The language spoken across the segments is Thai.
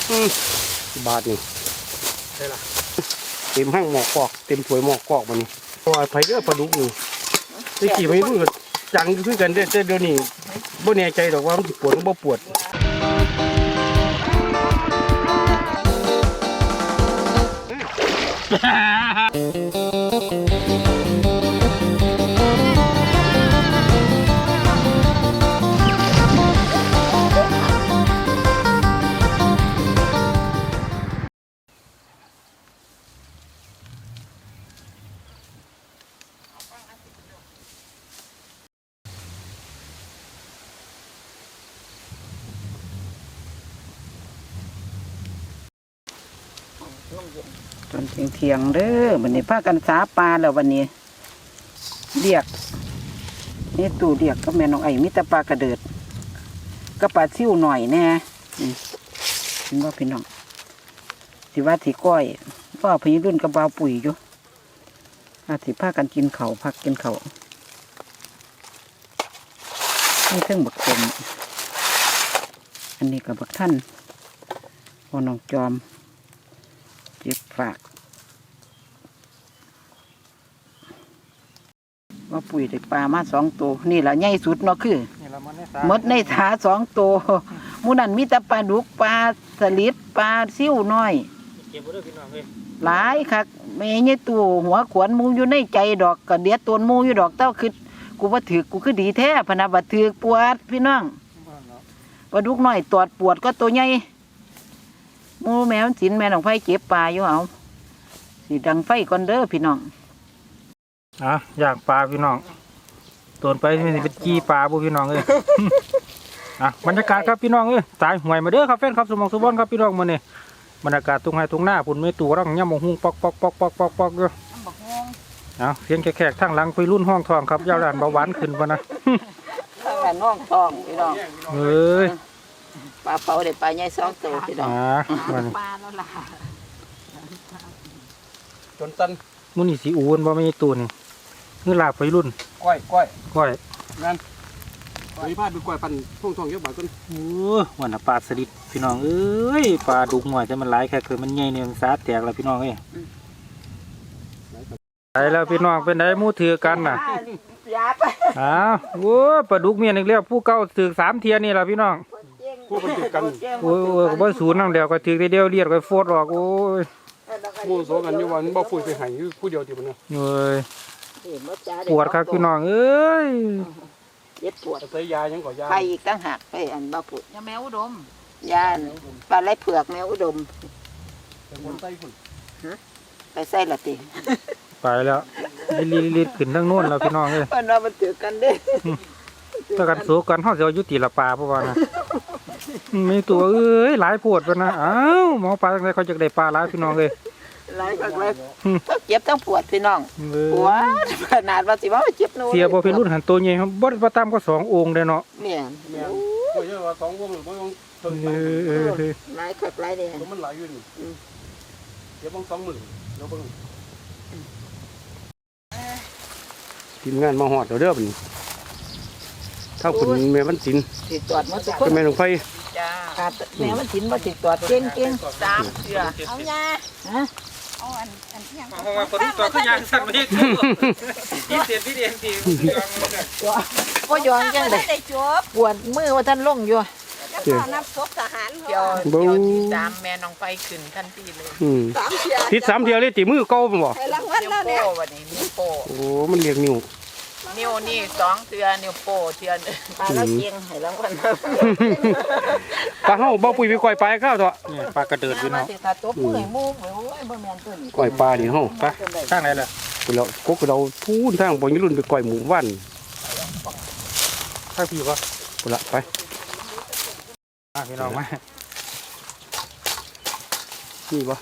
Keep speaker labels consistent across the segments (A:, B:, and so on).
A: บาทนี่
B: ใช่ล่ะ
A: เต็มห้างหมอกกอกเต็มถ้วยหมอกกอกมันนี่ปล่อยไปเยอะปลาดุกอยู่ที่ขี่ไม่รู้กันจังขึ้นกันเดี๋ยวนี้บ่แน่ใจหรอกว่ามันปวดหรือบ่ปวด
C: จนเที่ยงเด้อวันนี้พากันสาปลาแล้ววันนี้เรียกนี่ตู่เรียกก็แม่น้องไอ้มิตรปลากระเดิดก็ปลาซิ่วหน่อยแน่เห็นว่าพี่น้องสิว่าสิก้อยว่าพี่รุ่นกับบาวปุ๋ยอยู่อาสิพากันกินเขาพักกินเขานี่เครื่องบักเต็มอันนี้กับบักท่านพอน้องจอมเจ็บฝากว่าปุ๋ยได้ปลามา2 ตัวนี่แหละใหญ่สุดเนาะคือมดในถา2 ตัวมูนันมีแต่ปลาดุกปลาสลิดปลาซิ่วน้อยหลายคักไม่ใช่ตัวหัวขวนมูอยู่ในใจดอกกระเดียดตัวมูอยู่ดอกเต้าคือกูว่าถือกูคือดีแท้พนาบัดถือปวดพี่น้องปลาดุกน้อยตอดปวดก็ตัวใหญ่มูแมวสินแม่น้องไฟเก็บปลาอยู่เอาสีดังไฟก่อนเด้อพี่น้อง
B: อยากปลาพี่น้องตัวไปมันเป็นจีปลาบุพี่น้องเลยบรรยากาศครับพี่น้องสายหวยมาเด้อครับแฟนครับสมองสุบอนครับพี่น้องมาเนี่ยบรรยากาศตรงไหนตรงหน้าปุ่นไม่ตัวร่างย่ำมงหุงปอกอยู่เสียงแขกทั้งหลังไปรุ่นห้องทองครับยาวด่านเบาหวานขึ้นปะนะ
C: ทั้งหลังห้องทองพี่น้องปลาเผาเด็ดปลาใหญ่2 ตัวพี่น้องปลาแล้วล่ะ
A: จนตัน
B: มุนี่สีอ้วนบ่ไม่ตัวนี่นี่ลาไปรุ่นก้อย
A: งั้นไปพาดดูก้อยปั่นท่องเยอะบาทต้น
B: วันปลาสลิดพี่น้องปลาดุกหน่อยแต่มันหลายแค่คือมันใหญ่เนี่ยมันสาแตกแล้วพี่น้องไปแล้วพี่น้องเป็นไงมูถือกันน่ะปลาดุกเมียนอีกแล้วผู้เก่าถือ3 เทียนี่แหละพี่น้อง
A: ผู้เป็นถือกัน
B: บ่ศูนย์นั่งเดียวก็ถือเดียวเรียกก็โฟดออก
A: มูโซกันอยู่วันบ่ปุ๋ยไปหายผู้เดียวติมันนะ
B: ปวดครับพี่น้อง
C: เย็บปวด
A: ใส่ยายังก่อยา
C: ไปอีกตั้งหักไปอันบ่ปวดยาแมวอุดมยาปลาไหลเผือกแมวอุดมไปใส่ละติ
B: ไปแล้วรีดขึ้นทั้งโน้นแล้วพี่น้อง
C: มันถือกันเด้
B: ถ้ากันสู้กันเขาจะยุติละปลาเพราะว่านะมีตัวหลายปวดไปนะหมอปลาตั้งแต่เขาจะได้ปลาหลายพี่น้องเลย
C: หลายกันเลยเจ็บทั้งปวดพี่น้องปวดขนาดว่าสิว่าเจ็บนู่น
B: เสียบ่เป็นรุ่นหันตัวใหญ่ครับบ่ประตามก็2 องค์เลยเนาะ
C: เนี่ย
A: ก็เยอะว่า2 วงหรือบ่ต้อง
C: หลายคักหลายเนี่ย
A: มันหลายอยู่นี่เดี๋ยว2 มื้อแล้วเบิ่งทีมงานมาฮอดเด้อบัดนี้ถ้าคุณแม่วันศิลป์
C: สิตรวจมาทุกคน
A: แม่หลวงไฟ
C: แม่วันศิลป์มาสิตรวจเก่ง3 เทื่อ
D: เอายาเอาอันที่ยัง
B: เพราะว่าคนตัวขึ้นยางสั่นไม่ถูกพี่เตียน
C: ก็ย้อนจังเลยปวดมือว่าท่านลงอยู่
D: นับศพทหาร
C: เดี๋ยวที่3แม่น้องไฟขึ้นทันทีเลย
A: ทิศ3 เที่ยวเลยตีมือเก่าบ่
D: รางวัลแล้วเนี่ย
C: วันนี้นิ้วโป้
A: โอ้มันเรียกนิ้ว
C: นี่2 เทื่อนิ้วโป้เทื่อปลาแล้วเกียงให้รางวัล
A: ปลาเฮาบ่ปุ๋ยไปก่อยปลาข้าวเถอะ
B: นี่ปลากระเดิดพี่น้อง
C: ถ้าตบมือมูโอ้ยบ่แม่นต้น
A: ก่อยปลานี่เฮา
B: ไปทางไหนล่ะ
A: เราก็เราพูนทางบ่รุ่นไปก่อยหมูว่าน
B: ถ้าพี่ว่า
A: พุ่นละไป
B: พี่น้องมา
A: นี่บ่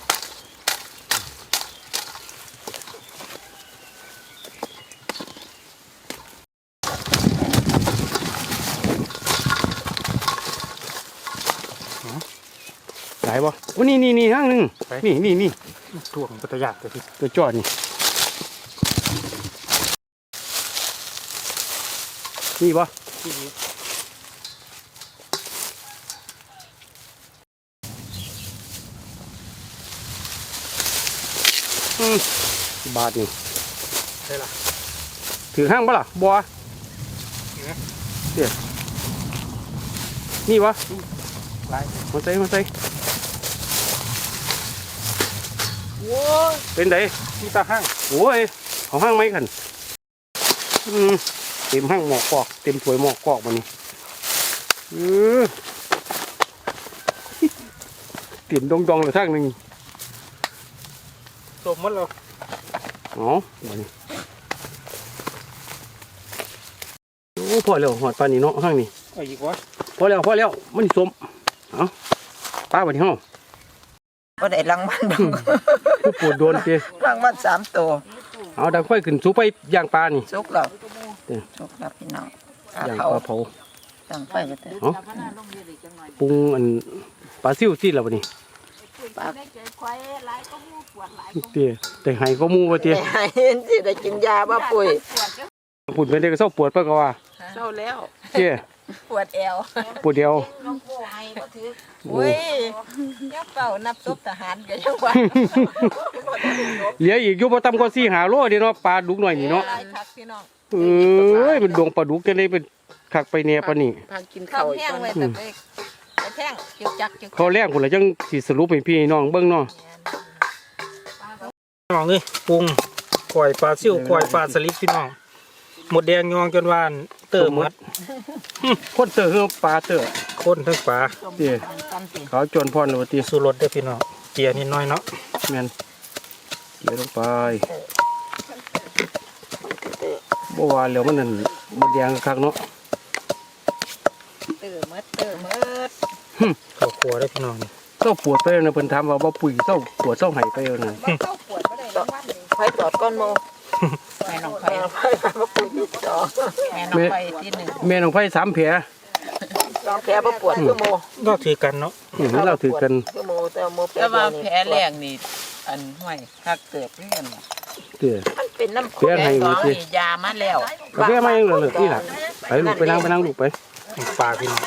A: ไหนบ่วันนี่ห้างนึงนี่
B: ถ่วงปัตยาตัวที่
A: ตัวจอดนี่บ่บาทนี่
B: ได้ละ
A: ถือห้างปะล่ะบัวเดี๋ยวนี่วะ
B: หลาย
A: มาใส่มาใส่
B: โว้ย
A: เป็นได
B: มีตาห้าง
A: โอ้ยเอาห้างไหมกันเต็มห้างหมอกกอกเต็มถ้วยหมอกกอกมานี่เต็มดองๆเลยทางหนึ่ง
B: สมมติเรา
A: อ๋อมานี่โอ้พอแล้วหอดปลานี่เนาะห้างนี่
B: เอาอีกวะ
A: พอแล้วมันนี่สมเอาปลาวันนี้ห้อง
C: ก็ได้รางวัลดอก
A: ผู้ปวดโดนเตี้ย
C: รางวัล3ตัว
A: เอาดังไฟขึ้นสูไปย่างปลานี่
C: สุกแล้ว
A: เด้อ
C: สุกแล้วพี่น้อง
A: ย่าง
C: เผา
A: ปลาเผา
C: ตั้งไฟก็ได้
A: เอาปรุงอันปลาซิ่วซีดแล้ววันนี้
D: ได้เจอควายหลายก็มูปวดหลายก็
A: เตี้ยแต่ไห้ก็มูว่าเตี้ย
C: ให้เห็นสิได้กินยาบ่ปุ๋ย
D: ปวดเจ้า
A: ปุ่นเป็นเด็กก็เศร้าปวดปะก็ว่า
C: เศร้าแล้ว
A: เตี้ย
D: ปวดแอว
A: ปวดเดียว
D: น้องโก้ให้บ่ถือ
A: โอ้
D: อุ้ยยักเป่านับซบทหารก็ยังว่า
A: เหลืออีกอยู่บ่ต่ำกว่า4-5 โลเด้เนาะปลาดุกหน่อยนี่เนาะ
D: หลายคักพี่น้อง
A: เอ้ยมันดวงปลาดุกจะได้เป็นคักไปแน่ปานนี้
C: พากิน
D: ข้า
C: ข้าว ว
D: แห้งไว้แต่ไปแท่งจึกจักจึก
A: เขาแรกพุ่นละจังสิสรุปให้พี่น้องเบิ่งเนาะ
B: น้องเอ้ยปรุงก่อยปลาซิ่วก่อยปลาสลิดพี่น้องหมดแดงยองจนวานเติมหมด
A: คนเตอคือปลาเตอ
B: คนทั้งปลา
A: เตี้ยเขาจนพรเลยว่าเตี้ย
B: สูรสเด้อพี่น้องเกียร์นิดหน้อยเนาะ
A: แม่นเกี่ยวลงไปบ่ว่าแล้วมันนั่นบ่แดงคักเนาะ
D: เติมมด
B: ข้าวคั่วได้อพี่น้องนี่
A: เศร้าปวดไปนะเพิ่นถามว่าบ่ปุ๋ยเศร้าปวดเศร้าไห้ไปนั่น
D: บ่เข้าปวดบ่ได้รางวัลเลย
C: ไฟตอดก้อนโมแม่น้องไฟบ่ปุ๋ยที่สองแม่น้องไฟที่1
A: แม่น้องไผ3แผล
C: สองแผลบ่ปวดคือโม
B: ก็ถือกันเนาะ
A: เราถือกัน
C: คือโมแต่โมแผลว่าแผลแรกนี่อันห้วยคักเติบเรียน
A: เตี้ย
C: มันเป็นน้ำ
A: แผลให้
C: ส
A: นี่
C: อง
A: สิ
C: นี่ยามาแล้ว
A: กาแฟมายังเหลือที่หลังไปลูกไปนั่งลูกไป
B: ปลาพี่น้อง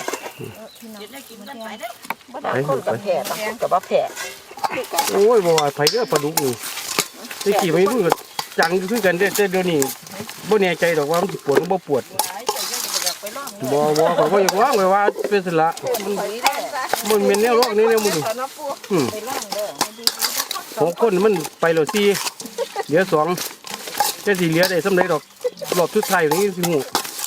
C: บ่ได้คนกับแผลบางคนกับบ่แผล
A: โอ้ยบ่ว่าไผเด้อปลาดุกนี่ตะกี้ไม่รู้ก็จังอยู่คือกันเด้อแต่เดี๋ยวนี้บ่แน่ใจดอกว่ามันสิปวดหรือบ่ปวดบ่เขาบ่อยากว่าไว้ว่าเป็นสิละมันแม่นแนวโรคนี้แนวมึงของคนมันไปแล้ว4เหลือ2แต่สิเหลือได้สำเร็จดอกรอบสุดท้ายนี่สิฮู้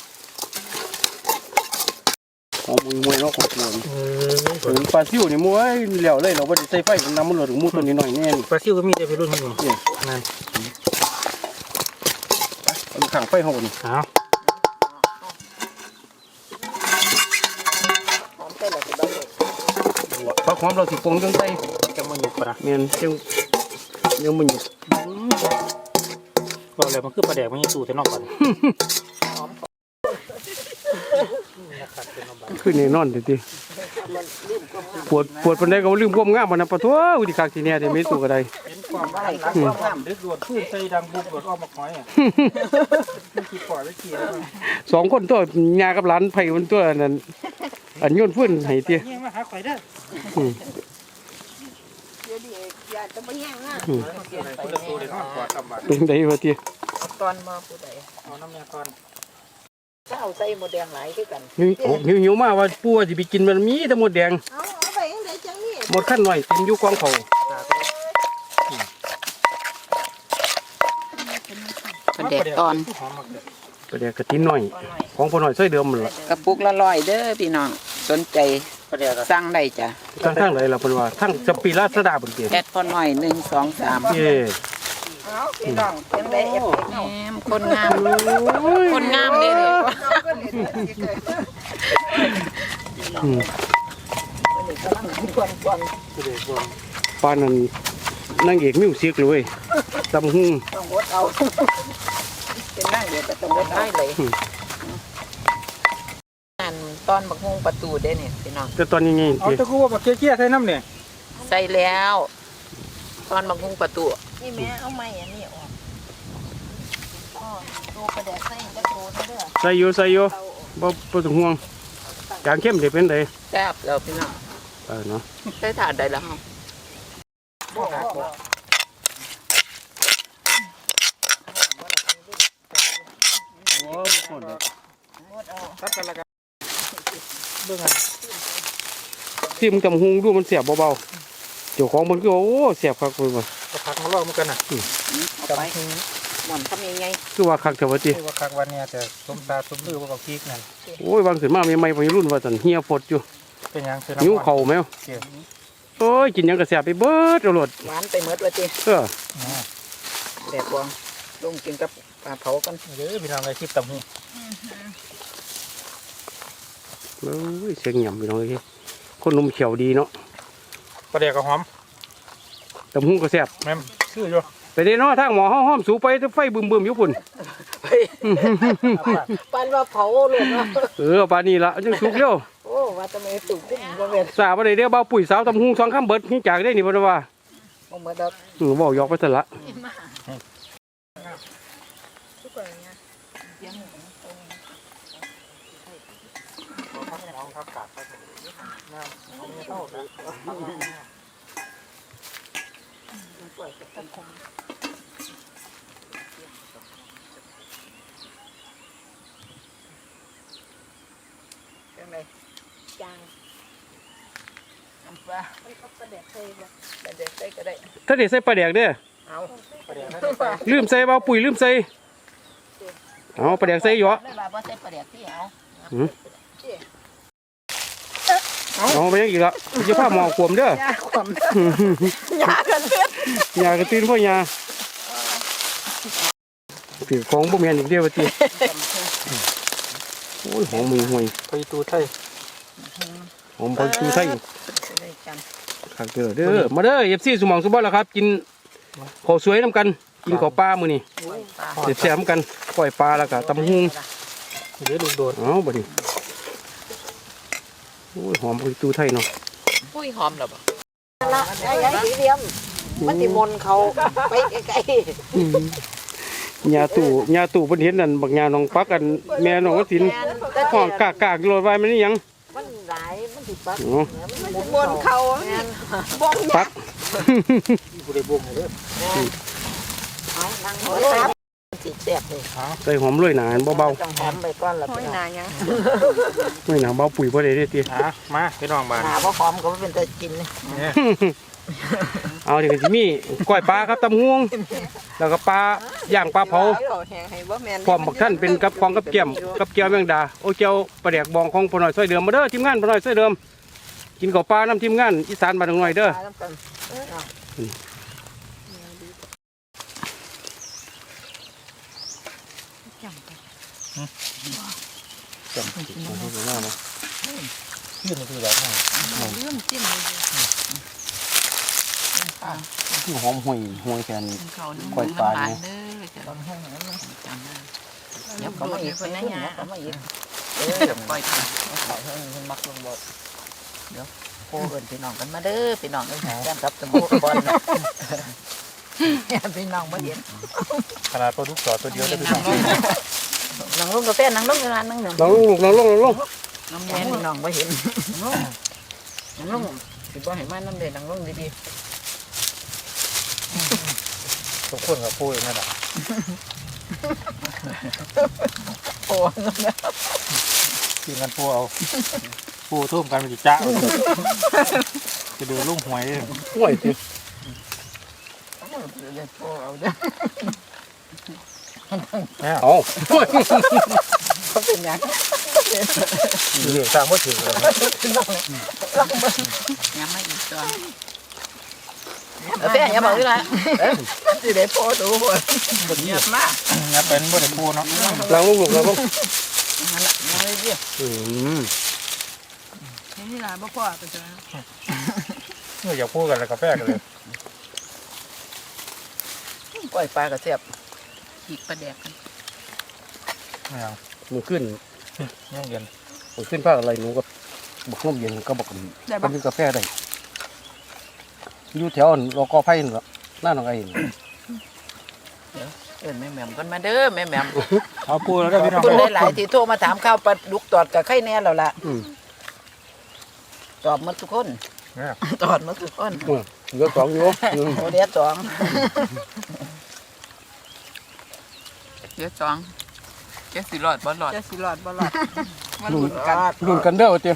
A: ของมวยเนาะของมวย ถึงปลาซิวนี่มวยเหลวเลยเราบ่ได้ใส่ไฟน้ำมันหลดถึงมูตัวนี้หน่อยแน่นี่
B: ปลาซิ่วก็มีแต่พี่รุ่นพี่น้องนั่น
A: เอาขังไฟเฮานี่
B: เอา
A: ปลาความเราสิปรุงจังไส
B: จะมาอยู่ปลา
A: แม่นจังยังมันอยู่
B: ก็เลยมันคือปลาแดกมันยังสู้แต่นอกก่อน
A: คือแน่นอนเด้อติปวดปานใดก็บ่ลืมความงามมันนะปะโถอุดิคักสิแน่แต่ไม่สู้ก็ได้
B: เป็นความหลังความงามดึกดวดขึ้นใส่ดังบุบดวดออกมาหอยอ่ะขี่ปล่อยไว้ขี่แล้ว
A: สองคนตัวยากับหลานไผมันตัวนั้นอันโยนฟื้นให้ติ
B: เนี่ยมาหาข่อยเด้อ
D: เดี๋ยวดิอยากจะบ่แห้งนะ
B: คนละตัวเลยนอนกอดกำบัด
A: เป็นไดว่าติ
C: ตอนมาผู้ใด
B: เอาน้ำยาก่อน
C: เจ้าใส่หมดแดงหลายคือกัน
A: หิวมาว่าปู่ว่าสิไปกินมันมีแต่หมดแดง
D: เอาไปจังได๋จังนี่
A: หมดขั้นหน่อยเต็มอยู่กองเขา
C: ประเด็กตอน
A: ก็เดี๋ยวกระทินหน่อยของพ่อหน่อยซอยเดิมมันล่ะ
C: กระปุกละ100เด้อพี่น้องสนใจ
B: ประเดี๋ยว
C: สั่งได้จ้ะ
A: ทั้งไหนล่ะเพิ่นว่าทั้งสปีราสดาเพิ่นเปลี่ยน
C: แอดพอหน่อย1 2 3
A: เย้
D: เอาพี่น้องจังได๋เอฟเฟกต์
C: แหมคนงามคนงามเด้อ
A: อืมปานนั้นนางเอกมิวสิกเลยเว้ยตำหุ่ง
C: ต้องวดเอาเป็นนั่งเดี๋ยวก็ต้องวดได้เลยอันตอนบักฮงประตูเด้เนี่ยพี่น้อง
A: แต่ตอนนี้ไง
B: เอาตะกูว่าบักเกี้ยใส่น้ำเนี่ย
C: ใส่แล้วตอนบักฮงประตู
D: นี่แม่เอาไม้อันนี้ออกอ๋อโตกระแดกใส่จักโตเด้อ
A: ใส่อยู่บ่ต้องห่วงจางเข้มสิเป็นได
C: แซ่บแล้วพี่น้อง
A: เนาะ
C: ใส่ถาดได้แล้ว
B: กันละกันเบิ่งอ่ะ
A: ที่มึงจำหุงดูมันเสียบเบาๆเจ้าของมันก็โอ้เสียบคักเลยว่ะ
B: ก็พักมาลอกเหมือนกันน่ะ
C: เอาไปหม่อนทำยังไง
A: คือว่าคักเถอะวะติ
B: คือว่าคักวันเนี้ยแต่สมตาสมลือว่ากับพริกนั่น
A: โอ้ยวางขึ้นมาใหม่ๆวัยรุ่นว่าซั่นเฮียฟดอยู่
B: เป็นหยังคือ
A: หิวเข่าแมว
B: เกี่ยว
A: โอ้ยกินหยังก็แซ่บไปเบิดเอาโลด
C: หวานไปหมดว่าติ
A: เออ
C: แดดบวงลงกินกับปลาเผากัน
B: เด้อพี่น้องไอ้คลิปตำหู
A: โอ้ยเสียงหย่ำพี่น้องเอ้ยคนหนุ่มเขียวดีเนาะ
B: ปลาแดกกับหอม
A: ตำหุงก็แซ่บ
B: แม่มชื่ออยู่
A: ไปเด้เนาะทางหมอห้อมสูไปไฟบึมๆอยู่พุ่น
C: ปันว่าเผาเลยเนาะ
A: เออปานนี้ล่ะจังสุกเร็ว
C: โอ้ว่าทำไมตุ่มขึ้นบ่แม่น
A: สาบ่ได้เด้อเบาปุ๋ยสาวตำหุงสองคำเบิดนี่จากได้นี่บ่ได้ว่า
C: บ่หมดดอก
A: เว้ายอกไปซะละ
C: จังได
D: จาง
C: น้ำปลา
D: มันก็ประเดี๋ยวเคยบอก
C: แต่เด็กใส่ก็ได้
A: ถ้าได้ใส่ปลาแดกเด้อ
C: เอา
A: ลืมใส่เบาปุ๋ยลืมใส่เอาปลาแดกใส่หยอ
C: เลยว่าบ่ใส่ปลาแดกที่เอา
A: เอาไปยังอีกละจะพาหมอขวมเด้อย
C: าความยากันเฮ็ด
A: ยากระตื้นพ่อยาถือของบ่แม่นอีกเดียวว่าติโอ้ยหอมมือห่วย
B: ไปตูไทย
A: หอมพอชูไทย
C: ได้กัน
A: คักเด้อมาเด้อ FC สมองสุบ่ล่ะครับ กินข้าวสวยนํกัน กินข้าวปลามื้อนี้
C: ปลา
A: แซ่บๆนํกันก้อยปลาแล้วก็ตำหุง
B: เดี๋ยวลูกโดด
A: เอาบัดนี้โอ้ยหอมพอชูไทยเนาะ
C: ปุ้ยหอมแล้วบ่ละยายสีเหลี่ยมมันสิมนเขาไปไกล
A: ยาตู่เพิ่นเห็นนั่นบักยาน้องปักกันแม่น้องสินห้องกากๆโลดไว้มันนี่หยัง
C: ๆมันหลายมันสิปัก
A: อ๋อ
C: มันมนเขาบ่ง
A: ปัก
B: ผู้ใดบ่งเด้อ
C: นั่งหัวครับสิแซ่บเลย
A: ใส่หอมโรยหนาเบา
C: ต้องหอมไปก่อนละ
D: ห้อยนายัง
A: ๆโรยหนาเบาปุ๋ยบ่ได้เด้อติ
B: มาพี่น้องบ้าน
C: หาบ่หอมก็บ่เป็นตากินนี่
B: เนี่ย
A: เอาเดี๋ยวก็สิมีก้อยปลาครับตำฮวง แล้วก็ปลาย่างปลาเผา
D: แหงให้บ่แม่น
A: พร้อมบักท่านเป็นกับของกับเกี๊ยมกับเกี๊ยวแมงดาโอ้เจียวปลาแดกบองของพ่อน้อยซอยเดิมมาเด้อทีมงานพ่อน้อยซอยเดิมกินข้าวปลาน้ำทีมงานอีสานบ้านหน่อยเด้อ
B: จำชื่อมันคือแบบไหน
D: เริ่มจิ้ม
A: คือหอมห่วยแค่นี้
C: เขา
A: ก้อยปลาเนี่ย
C: เด้อจะต้องห้องนั้นจังเดี๋ยวเขามาอีกคนนั้นเขามาอีกก้อยปลาเขาเพิ่นมักลงบ่เดี๋ยวโคเอิ้นพี่น้องกันมาเด้อพี่น้องเอ้ยแก้มกับตะมูบอลพี่น้องมาเห็น
B: ขนาดปลาดุกจอดตัวเดียวได้พี่น้อง
C: นั่งลงกาแฟนั่งลงร้านนั่งหนึ่ง
A: ลองลงลองลงลองลง
C: น้ำแม่พี่น้องมาเห็นนั่งลงสิบ่ให้มาน้ำเด่นนั่งลงดี
B: ทุกคนกับพูดนั่นแหละ
C: ๆโอ้
B: กินกันพูเอาพูทุ่มกันไปจิจ้าจะดูลุงหวยเลย
A: ห่วยติ
C: โอ้เอาเด้อ
A: เอา
C: เขาเป็นยัง
B: เรื่องสร้างว่าถือเลย
C: ยังไม่อีกตัวแฟอย่าบอกเลยสิได้พอดูบ่เงียบมาก
B: งับเป็นบ่ได้พูเนาะ
A: ลองลงลงลองลง
C: นั่นแหละยังไม่เรียบ
D: นี่ล่ะบ่พอไปจ้ะ
B: เมื่ออยากพูดกันแล้วกาแฟกันเลย
C: ก้อยปลากระเทียบอีกปลาแดก
B: ไม่เอา
A: มือขึ้น
B: ย่างเย็น
A: มือขึ้นภาคอะไรหนูกับบักนมเย็นก็บักก็มีกาแฟได้อยู่แถวรอกอไผ่นั่นล่ะหน้าหนองไอ้นี่
C: แม่แหม่มกันมาเด้อแม่แหม่ม
B: เอาพูดแล้วได้พี่น้อง
C: คุณหลายๆที่โทรมาถามข้าวปลาดุกตอดกับไข่แน่แล้วล่ะตอบหมดทุกคนตอดหมดทุกคน
A: เหลือสองอยู่
C: โอเดียสอง
E: เดี๋ยวจองแกสิรอดบ่รอด
D: จะสิรอดบ่รอดมันหลุดกัน
A: รุ่นกันเด้อเตี้ย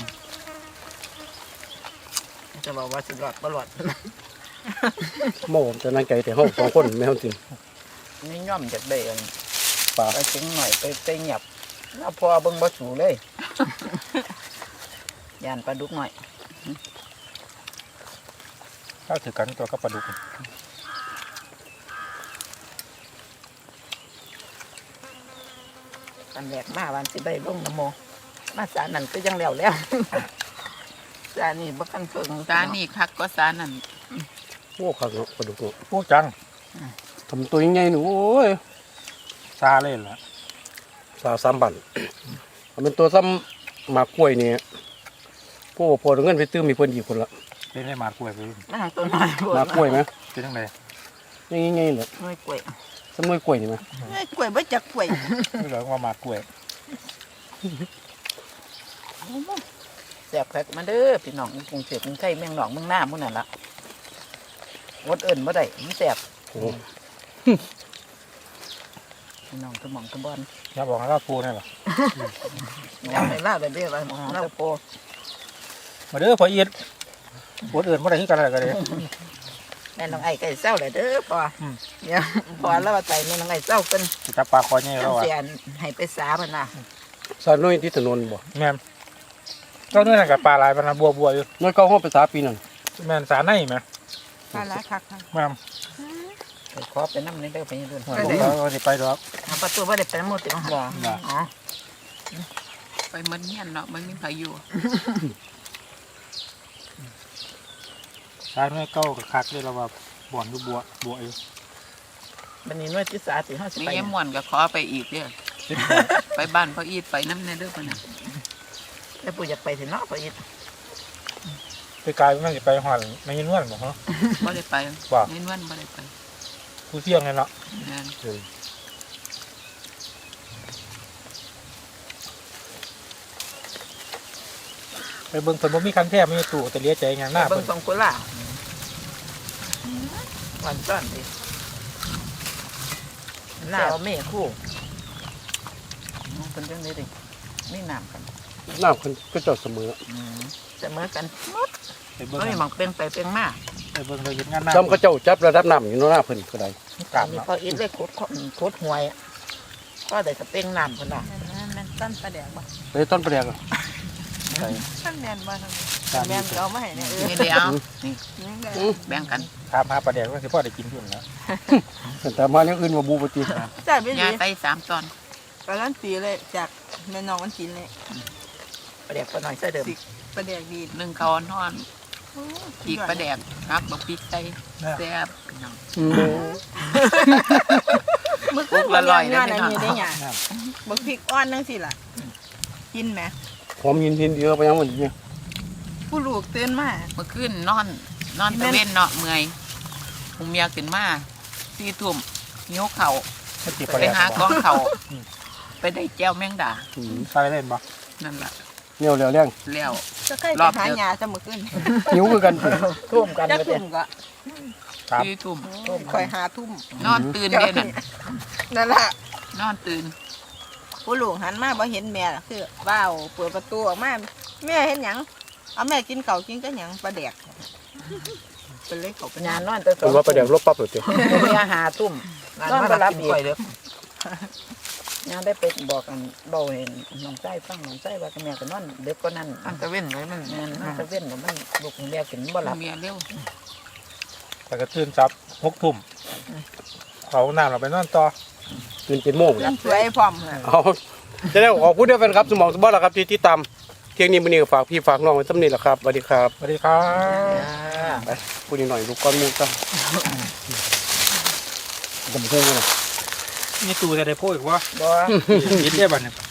C: จะบอกว่าสิรอดบ่รอด
A: โม่จะนั่งใจแต่ห้องสองคนไม่ห้องจริง
C: นี่ย่อมจากได้อัน
A: ปลา
C: ไปถึงหน่อยไปเงียบแล้วพอเบิ่งบ่สูเลย ย่านปลาดุกหน่อย
B: ข้าวถือกันตัวกับปลาดุก
C: อันแรกมาวันสิได้ลงน้ำโมมาสานั่นก็ยังแล้ว สานี่บ่คันเพิ่ง
D: ตานี่คักก็สานั่น
A: โอ้ขังเนาะปลาดุกเนาะ
B: พวกจัง
A: ทำตัวยังไงหนูโอ้ย
B: ซาเล่นละ
A: 3 บันมันเป็นตัวซ้ำหมากกล้วยนี่พวกพอเงินไปตื้มมีเพิ่นอีกคนละ
B: เป็นได้หมากกล้วยไป
C: มาทางต้นไม้
A: หมากกล้วยไหม
B: เป็นยังไง
A: ยังไงเลย
C: หน่วยกล้วย
A: ซ้ำหน่วยกล้วยนี่ไหม
D: กล้วยบ่จักกล้วย
B: นี่เหลือว่าหมากกล้วย
C: แซ่บคักมาเด้อพี่น้องกรุงเทพกรุงไทยเมืองหนองเมืองหน้าหมู่นั่นล่ะอดเอิ้นบ่ได้มันแซ่บ
A: โอ้
C: พี่น้องกระหม่อมกระบอน
B: อย่าบอกให้เราปูนี่หรอ
C: อยากให้ลาได้เด้อว่าหมอเราโป
B: มาเด้อพอเอียดปวดอื่นมาได้ที่กันอะไรกันเลย
C: แม่น้องไอ้ไก่เศร้าเลยเด้อปอเนี่ยพอแล้วว่าใจแม่น้องไอ้เศร้าเป็น
B: จับปลาคอเนี่ยเรา
C: จำ
B: อ่ะ
C: เสียนให้ไปสามันน่ะ
A: สารน้อยที่ถนนบ่
B: แม่นก็เนื่องกับปลาลายปลาบัวอยู่
A: น้อยเข้าห้องไปสาปีนั่น
B: แม่นสาในไหม
D: ปลาละคัก
B: แม่น
C: ไปขอไปน้ำนี่เด้อไปยืน
B: เราจะไปดอก
C: ประตูว่าได้ไปน้ำมูติของบ่อ๋อ
D: ไปมันเฮียนเนาะมันมีไผอยู่
B: สาในเก้ากับคักด้วยเราว่าบ่อนอยู่บัวอยู่
C: บันนี้น้อยที่สาสิห้าสิบ
D: มี
C: ไป
D: ยายม่วนก็ขอไปอีกเด้อไปบ้านพ่ออีดไปน้ำแน่เด้อเพิ่นน่ะ
C: แล้วปู่อยากไปถึงนอกไปอีก
B: ไปไกลไม่ได้ไปหอดไม่ยินว่นบอกฮะ
D: บ่ได้ไป
B: ว่า
D: เน้นวันบ่ได้ไป
B: ผู้เสี่ยงเลยเนาะ
D: แม่น
B: ไปเบิ่งเพิ่นบ่มีคันแท้ไม่มีตู้แต่เลี้ยใจอย่างหน้า
C: เบิ่
B: เพิ่
C: ง
B: น
C: สองกุหลาบวันซ้อนดิหน้าเอาเมฆคู่เป็นเรื่องนี้ดิไม่น้ำกัน
A: น้ำคนก็เจอดเสมอ
C: เสมอกันหมด
B: ไปเบิ่ง
C: เอ้ยมองเป็นไปเป็นมา
B: ไปเบิ่งเราเห็นงานหน้า
A: ซ้ำเขาเจ้าจับระดับน้ำอยู่หน้าเพิ่นก็ได้
B: กลับ
C: นี่
B: เนาะ
C: พออีทเลยขุดหวยก็ได้สเป้งน้ำคนละ
D: แม่นตั้นปลาแดกบ่
A: เลยต้นประเดี๋ยว
B: ใส่
D: ท่านแม่นบ่ทางนี้
B: ตาม
D: แม่นเอามาให้เนี่ย
C: นี่เดียวนี่
D: แบ่งกัน
B: ถามหาปลาแดกว่าสิพ่อได้กินพุ่นแล้ว
A: แต่มาเนี้ยอื่นมาบูปฏิ
D: จ้าไปยาดีไต3ตอน
E: การันตีเลยจากแม่น้องวันจีนเลย
C: ประเดี๋ยวก็หน่อยเสื้อเดิม
E: ประเดี๋ยวดี
D: นึ่งข้าวอ่อนๆอีกปลาแดกครับบักพริกใส่แซ่บพี่น้อง
E: เมื่อคืน
D: ละร้อย
E: งาน
D: ได้
E: อัน
D: ไหม
E: นี้ได้
D: เนาะ
E: หยังบักพริกอ่อนนั่งสิล่ะกินไหม
A: หอมยินเดียวไปยังหมดเนี่ย
E: ผู้ลูกตื่นมา
D: เมื่อคืนนอนตะเว้นเนาะเมื่อยหูเมียขึ้นมา4 ทุ่มหิวข้าว
B: ไม่ติดป
D: ไป
B: ลาแดก
D: หากองข้าวไปได้แจ้วแมงดา
B: ใส่เล่นบ่
D: นั่นล่ะ
A: เนี่ยเร็วแรง
D: แล้ว
E: จะใกล้
D: ร
E: ไป
D: อบ
E: หา
D: เดียว
E: หยาจะมื้อคืน
A: หิวคือกันสิ
C: ทุ่มกัน
E: จัก
C: เลย
E: ทุ่มก็
B: ครับ
D: 4 ทุ่ม
E: ค่อยหาทุ่ม
D: นอนตื่นเด้นั่น
E: นั่นล่ะ
D: นอนตื่น
E: ผู้ลูกหันมาบ่เห็นแม่ล่ะคือว้าวเปิดประตูออกมาแม่เห็นหยังเอาแม่กินข้าวกินก็หยังปลาแดกเป็นเลยเขาไป
C: งานนอนแต่ส
A: เป็นว่าประเดี๋ยวลบปั๊บเลยเจ้า
C: มีอาหารทุ่มนอนมารับอีกงานได้ไปบอกกันเบาเห็นน้องไส้ฟังน้องไส้ว่าแม่ก็นอนเด็กก็นั่น
D: อันตะเว้นไว้มัน
C: งานนอนตะเว้นมันลูกแม่กินบ่หลับ
D: เมียเร็ว
B: แต่ก็ตื่นจับ6 ทุ่มเขาน้ำเราไปนอนต่อ
A: เงิน7 โมง
E: ตื่นสวยพร้อมค่ะ
A: เอาจะได้ขอบคุณด้วยแฟนครับสมองสมบัติแล้วครับที่ตามเที่ยงนี้มื้อนี้ก็ฝากพี่ฝากน้องไว้ซ้ำนี้แหละครับสวัสดีครับ
B: สวัสดีครับ
A: ไปพูดนิดหน่อยลูกก้อนมูกันผมเพิ่งเลย
B: มีตู้จะได้โพดอีกวะ
C: บ่
B: ยิดได้บัดเนี่ย